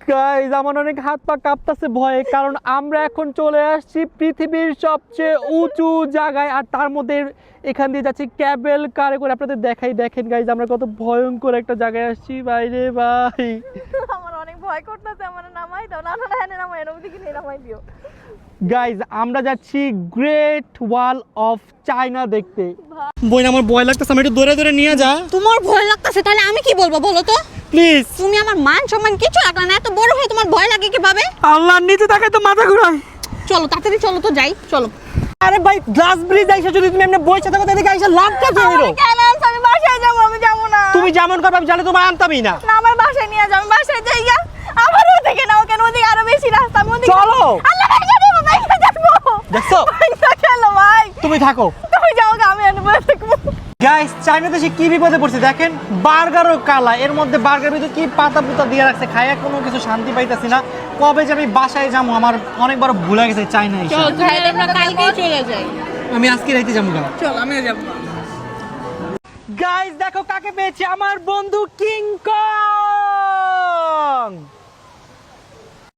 Guys আমার অনেক হাত পা কাঁপতাছে ভয়ে, কারণ আমরা এখন চলে আসছি পৃথিবীর সবচেয়ে উঁচু জায়গায়, আর তার মধ্যে এখান দিয়ে যাচ্ছি ক্যাবেল কারে করে। আপনাদের দেখেন গাইস আমরা কত ভয়ঙ্কর একটা জায়গায় আসছি। বাইরে ভাই আমার অনেক ভয় করতেছে, আমার নামাই দাও। না না না, এনে নামাই, এর ওদিকে নিয়ে নামাই দিও। গাইস আমরা যাচ্ছি গ্রেট ওয়াল অফ চায়না দেখতে। বই আমার ভয় লাগতেছে, আমি একটু দৌড়ে নিয়ে যা। তোমার ভয় লাগতেছে, তাহলে আমি কি বলবো বলো তো? প্লিজ। তুমি আমার মান সম্মান কিছু রাখলা না, এত বড় হয়ে তোমার ভয় লাগে কিভাবে? আল্লাহর নিচে তাকাই তো মাথা ঘুরায়। চলো তাড়াতাড়ি চলো তো, যাই চলো। আরে ভাই গ্লাস ব্রিজ আইসা যদি তুমি এমনি বই সাথে কথা এদিকে আইসা লাভটা কি হলো? কেন আমি বাসায় যাবো? আমি যাবো না। তুমি যেমন করবে আমি জানি তোমার আনতামই না। না, আমার বাসায় নিয়ে যাও, আমি বাসায় যাই গা। আমার ওদিকে নাও, কেন ওদিকে আরো বেশি রাস্তা। আমি ওদিকে চলো। আল্লাহ ভাইকে দেবো, ভাইকে যাবো। দেখছো? ভাইকে চলো ভাই। তুমি থাকো। তুমি যাও গা, আমি এনে বসে থাকবো। গাইস চায়না দেশে কি বিপদে পড়ছে দেখেন, বার্গারও কালা, এর মধ্যে বার্গার ভিতরে কি পাতা পুতা দিয়ে রাখছে, খাইয়া কোনো কিছু শান্তি পাইতাছি না। কবে যে আমি বাসায় যাবো, আমার অনেকবার ভুলে গেছে চায়না এসে। চল তাহলে আমরা কালকেই চলে যাই। আমি আজকে রাইতে যাবো গা। চল আমিও যাবো। গাইস দেখো কাকে পেয়েছি, আমার বন্ধু